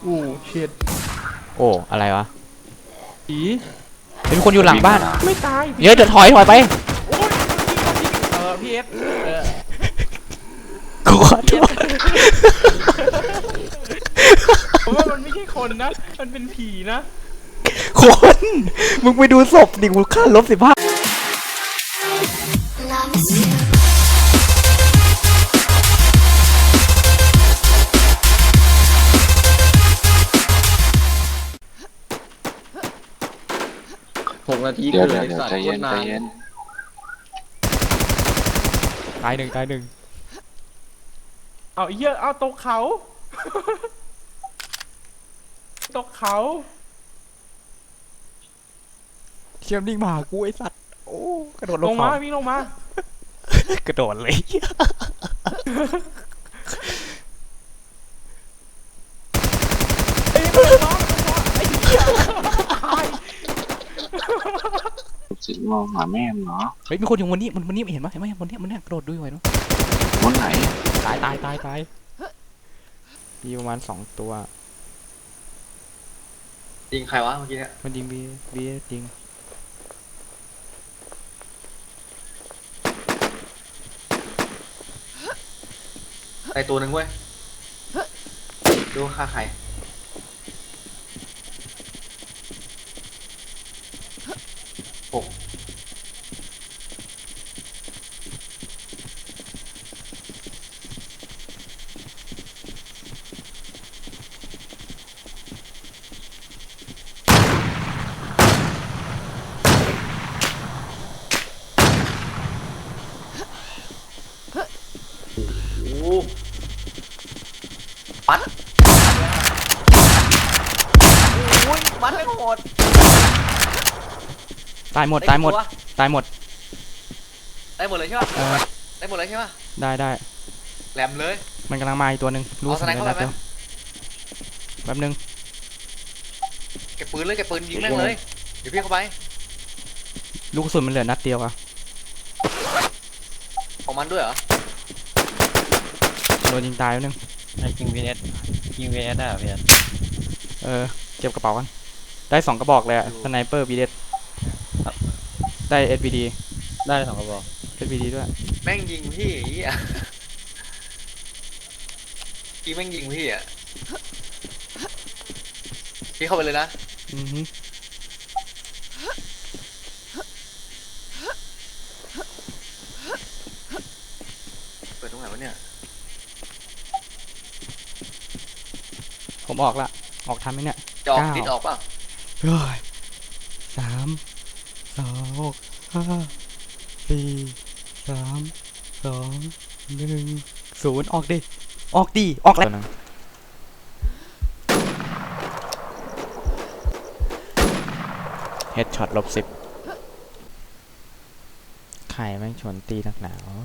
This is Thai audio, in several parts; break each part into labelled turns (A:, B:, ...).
A: อู้เช็ด
B: โอ้อะไรวะ
A: ผี
B: เป็นคนอยู่หลังบ้าน
A: ไม่ตาย
B: เดี๋ยวถอยไป
A: โอ้ยพี่เอส
B: กูขอโทษ
A: ผมว่ามันไม่ใช่คนนะมันเป็นผีนะ
B: คนมึงไปดูศพดิกูค่า-15
C: 6 นาที
D: เดี๋ยว
C: เลยสัตว์
D: ใจเย็น
C: นาน
B: ตายหนึ่ง
A: เอาเยอะเอาตกเขาตกเขา
B: เชี่ยมนิ่งมาหากูไอสัตว์โอ้กระโดด
A: ลงมาวิ่งลงมาก
B: ระโดดเลย
A: เอ้ยมันน้องไอ้เหี้ยตาย
D: สิมองหาแม่เนาะ
B: เฮ้ยมีคนอยู่บนนี้มันเห็นไหมบนนี้กระโดดด้วยไว้เนาะ
D: บนไหน
B: ตายมีประมาณ2ตัว
C: ยิงใครวะเมื่อกี้เนี่ย
B: มันยิงบียิง
C: ไอตัวหนึ่งเว้ยดูฆ่าใคร6โอ้ปัดโอ้ยปัดไม่โหด
B: ตายหมด
C: ได้หมด
B: ตายหมด
C: เลยใช่ป่ะได้หมดเลยใช่ป่ะ
B: ได้
C: แหลมเลย
B: มันกำลังมาอีกตัวหนึ่งรู้
C: เอาสไนเปอร์
B: นัด
C: ไปไหม
B: เดียวแป๊บนึง
C: เก็บปืนเลยเก็บปืนยิงแม่งเลยเดี๋ยวพี่เข้าไป
B: ลูกกระสุนมันเหลือนัดเดียวอะ
C: ของมันด้วยเหรอ
B: โดนยิงตายแป๊บนึง
E: ยิง VS ได้เหรอพี่
B: เก็บกระเป๋ากันได้2กระบอกเลยอะสไนเปอร์บีเดสได้ SVD
E: ได้2 กระบอก
B: SVD ด้วย
C: แม่งยิงพี่ไอ้เหี้ยพี่แม่งยิงพี่อ่ะพี่เข้าไปเลยนะ
B: อือฮึ
C: เปิดตรงไหนวะเนี่ย
B: ผมออกละออกทันไหมเนี่ย
C: จะออก
B: 9
C: ติดออกเปล่า
B: เฮ้ย3 2 5 4 3 2 1 0ออกดิออกแล้วเฮดช็อต-10ใครแม่งชวนตีนักหนาว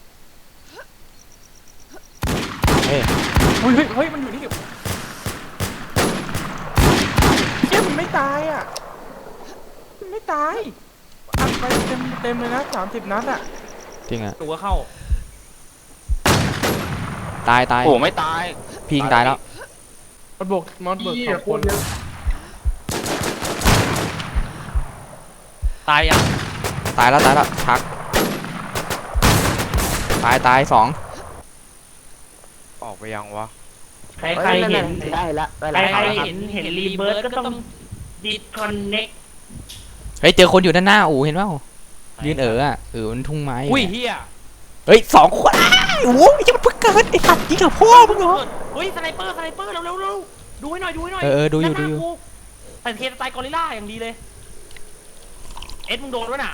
B: เฮ้ย
A: เฮ้ยมันอยู่นี่เชี่ยมันไม่ตายอ่ะมันไม่ตายอัดไปเต็มเลยนะ30 นัดอ่ะ
B: จริงอ่ะ
A: ตัวเข้า
B: ตาย
D: โอ้ไม่ตาย
B: พิงตายแล้ว
A: มันบวก2 คน
E: ตายยัง
B: ตายแล้วชักตาย2
D: ออกไปยังวะ
F: ใครเห็นได้ละใครเห็นรีเบิร์ตก็ต้องดิสคอนเน็ก
B: เฮ้ยเจอคนอยู่ด้านหน้าอู๋เห็นเปล่ายืนมันทุ่งไม้
E: อุ้ยเฮีย
B: เฮ้ย2 คนโอ้ยยังเพิ่งเกิดไอ้สัตว์ยิงกับพ่อมึงเหรอ
F: เฮ้ยสไนเปอร์เร็วดูให้หน่อยดู
B: อยู่
F: แต่เทสไตล์กอริลล่าอย่างดีเลยเอ็ดมึงโดนด้วยน่ะ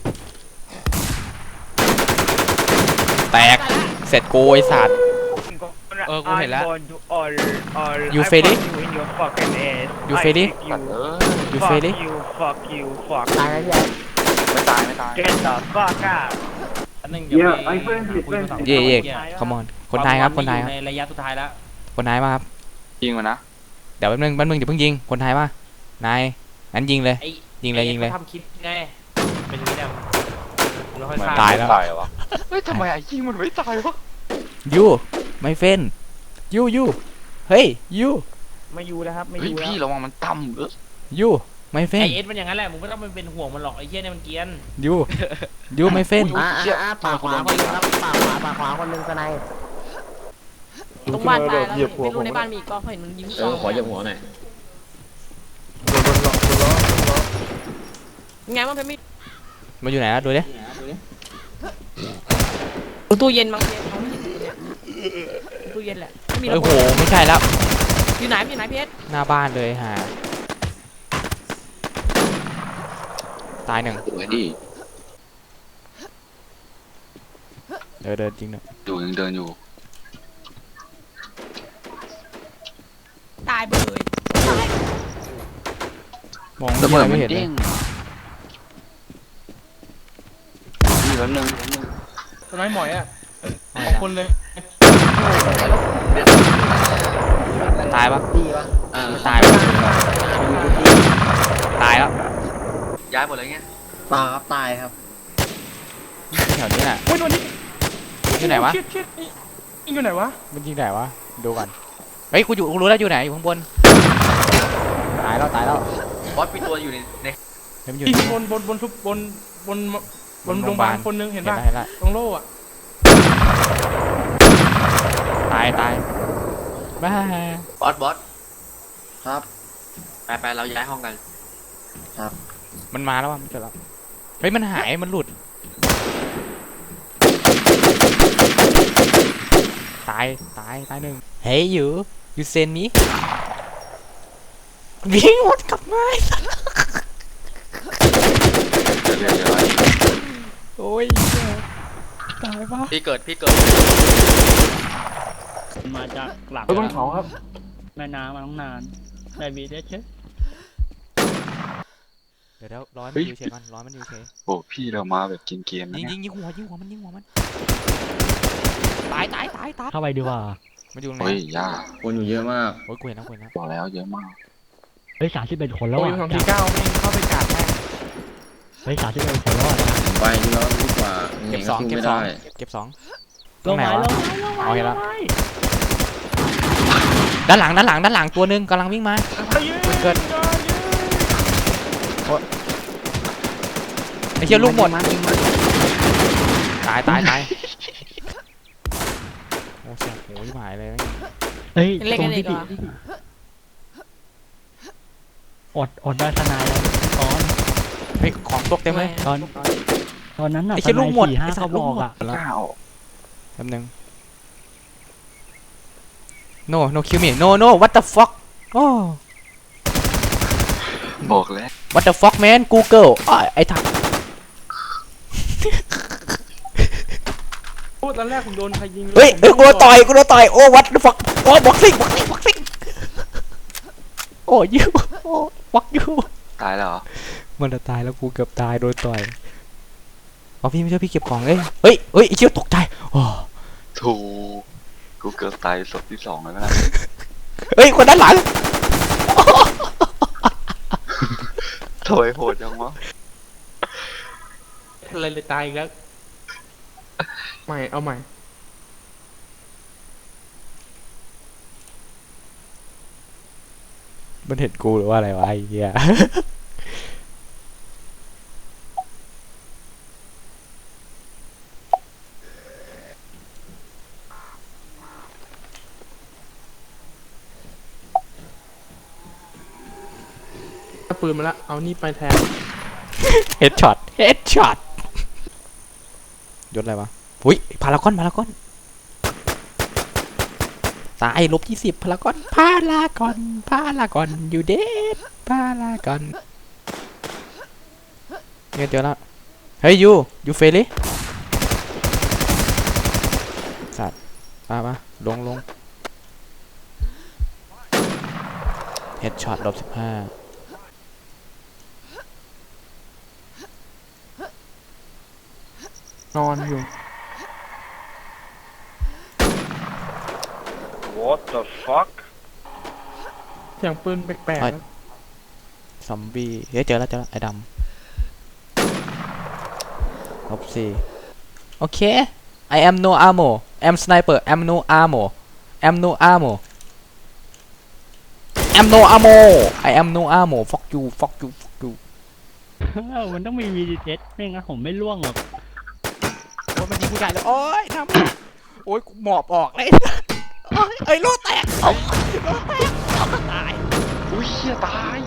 B: แตกเสร็จกูไอ้สัตว์
E: กูเห็นแล้ว
B: You ready? You ready? You ready?
F: ตายแล้วยัง
D: ไม่ตาย
F: get the fuck out
E: อันนึงเดี๋ยวไปคุยกับ
B: เย่คอมอนคนไทยครับคนไทยครับ
E: ในระยะสุดท้ายแล้ว
B: คนไทยมาครับ
D: ยิงมันนะ
B: เดี๋ยวแป๊บนึงเดี๋ยวเพิ่งยิงคนไทยมานายงั้นยิงเลยยิงเลย
F: ทำคลิปไงเป็นอย่างนี้เนี่ยมึงค่อย
B: ตายแล้ว
D: ตายวะเฮ้ยทำไมไอ้ยิงมันไม่ตายวะ
B: ยูไม่เฟนยูเฮ้ยยู
F: ไม่อยู่แล้วครับไม่อ
D: เฮ้ย
F: ยู่แล้ว
D: พี่ระวังมันต่ำ
B: ยูไม่เฟ้
E: ไอน เอสมันอย่างนั้นแหละมึงไม่ต้องไปเป็นห่วงมันหรอกไอ้เหี้ยเนี่ยมันเกรียน
B: ยูไม่เฟ้น
F: ปากขวาคนนึงครับปากขวาคนนึงสไน
G: ตรงบ้านตายแล้วไม่รู้ในบ้านมีอีกก็เห็นมันยิงสอง
H: ขอเหยียบหัวหน่อย
G: ไงมันเป็นมี
B: มาอยู่ไหนอะดูดิ
G: ตู้เย็นบางเย็นเขาไม่ยิงตู้เย็นแหละไม่มีระ
B: โอ้
G: เบิ
B: โห
G: ด
B: ไม่ใช่แล้ว
G: อยู่ไหนเพชร
B: หน้าบ้านเลยฮะตายหนึ่ง
D: สวยดิ
B: เดินจริงเนอะ
D: อยู่ยังเดินอยู่
G: ตายเบย
B: มอง
D: ระเบิด
B: ไม่
D: มัน
B: เห็นเล
D: เด้
B: ย
D: งพี่แป๊บนึง
A: สไนหมอยอ่ะสองคนเลย
B: ตายปะ
H: อ่า
B: ไม่ตายปะตายแล้ว
C: ย้ายหมดเลยเงี้ย
H: ตาครับตายครับ
B: แถวนี้แหละ
A: โอ้ยตัวนี้
B: อยู่ไหนวะ
A: ชิดยิงอยู่ไหนวะ
B: มันยิงไหนวะดูก่อนเฮ้ยกูรู้แล้วอยู่ไหนอยู่ข้างบนตายแล้ว
C: บอสมีตัวอยู่ใน
B: เฮ้ยมันอยู่
A: ยิง
B: ที่
A: บนทุบบนโรงพยาบาลคนนึงเห็นป่ะ
B: เห็นแล้ว
A: ตรงโล่อะ
B: ตายบ้า
C: บอส
H: ครับ
C: ไปเราย้ายห้องกัน
B: มันมาแล้วว่ะมันเจอแล้วเฮ้ยมันหายมันหลุดตายหนึ่งเฮ้ยyou send me วิ่งหมดกลับมาโอ้ยตายปะ
C: พี่เกิด
F: มาจากหลัง
A: บนเขาครับ
F: แม่น้ำมาตั้งนานได้บีได้เช็ด
B: เดี๋ยวร้อนมันอยู่เฉยร้อนมันอยู่เฉย
D: โอ้พี่เรามาแบบเกมๆนะ
B: ยิ
D: เนี่ย
B: งหัวมันตาย
F: เข้าไปดีกว่า
B: มันอยู่ตรงไหน
D: เฮ้ยย่า
H: คนอยู่เยอะมาก
B: โอ้ยกูเห็นแล้ว
D: บอกแล้วเยอะมาก
F: เฮ้ย31 คนแล้ว
A: โอ้ย
F: อ่ะ
A: สองทีเก้าไม่เข้าไปกาดแม่ง
F: เฮ้ย31 คนแล้วอ่ะ
H: ไปดีแล้วดีกว่า
B: เก็บ
H: หนี
B: สอง
H: สู้
B: เก็บ
H: ไม่
B: สอง
H: ได้
B: เก็บสอง
F: ลงไม้ลงไม้ลงไม้
B: เอาเห็นแล้ว
F: ลงไม้
B: ด้านหลังตัวนึงกำลังวิ่งมา เกิด ไอ้เชี่ยลูกหมดตายโอ้เสียโหยหายเลย
F: เฮ้ย
G: เล่น
F: ตร
G: กัน
F: ง
G: อี
F: ที่
G: กเหรอ
F: อดได้ทนายแล้วตอน
B: เฮ้ยของตกเต็มเลย
F: ตอนนั้นน่ะ
B: ไอ้เชี่ยลูกหมด
F: 4-5
B: ไอ้สัตว์
F: เขาบอก
B: ลูกหมด
F: อ่ะ
D: กล้าออก
B: แป๊บนึง no kill me no what the fuck โอ้
D: บอกแล้ว
B: what the fuck man Google ไอ้ทัก
A: โอ้ตอนแรกผมโดนใครยิง
B: เฮ้ยกูโดนต่อยโอ้ what the fuck โอ้บ็อกซิ่งโอ้ยูโอ้ fuck you
D: ตายแล้วเหรอ
B: มันจะตายแล้วกูเกือบตายโดนต่อยเอาพี่ไม่ช่วยพี่เก็บของเลยเฮ้ยไอ้เชี่ยตกใจโอ้
D: ถูกกูเกือบตายศพที่ 2แล้วนะ
B: เฮ้ยคนด้านหลัง
D: โถยโหดจังวะ
A: อะไรเลยตายอีกแล้วใหม่เอาใหม่
B: มันเห็นกูหรือว่าอะไรวะไอ้เหี้ย
A: เอาปืนมาละเอานี่ไปแทน
B: เฮดช็อตยศอะไรวะอุ้ยพารากอนตาย-20พารากอนอยู่เด็ดพารากอนเนี่ยเจอแล้วเฮ้ยยูเฟลิสัตว์มาลงเฮดช็อต-15
A: นอนอยู่
D: What the fuck
A: เสียงปืนแปลก
B: เฮ้ย ซอมบี้เฮ้ยเจอแล้วไอ้ดำ-4โอเค I am no armor I'm sniper I'm no armor am no ammo I am no ammo fuck you fuck you fuck you
F: มันต้องมีวีดีเจ็ตไม่งั้นผมไม่ล่วงหรอก
B: โอ้ยมันยิงกูใหญ่เลยโอ้ยทำโอ้ยกูหมอบออกเลยโอ้ยเอ้ยโลแตกโลแตกตาย
D: อุ้ยเฮียตาย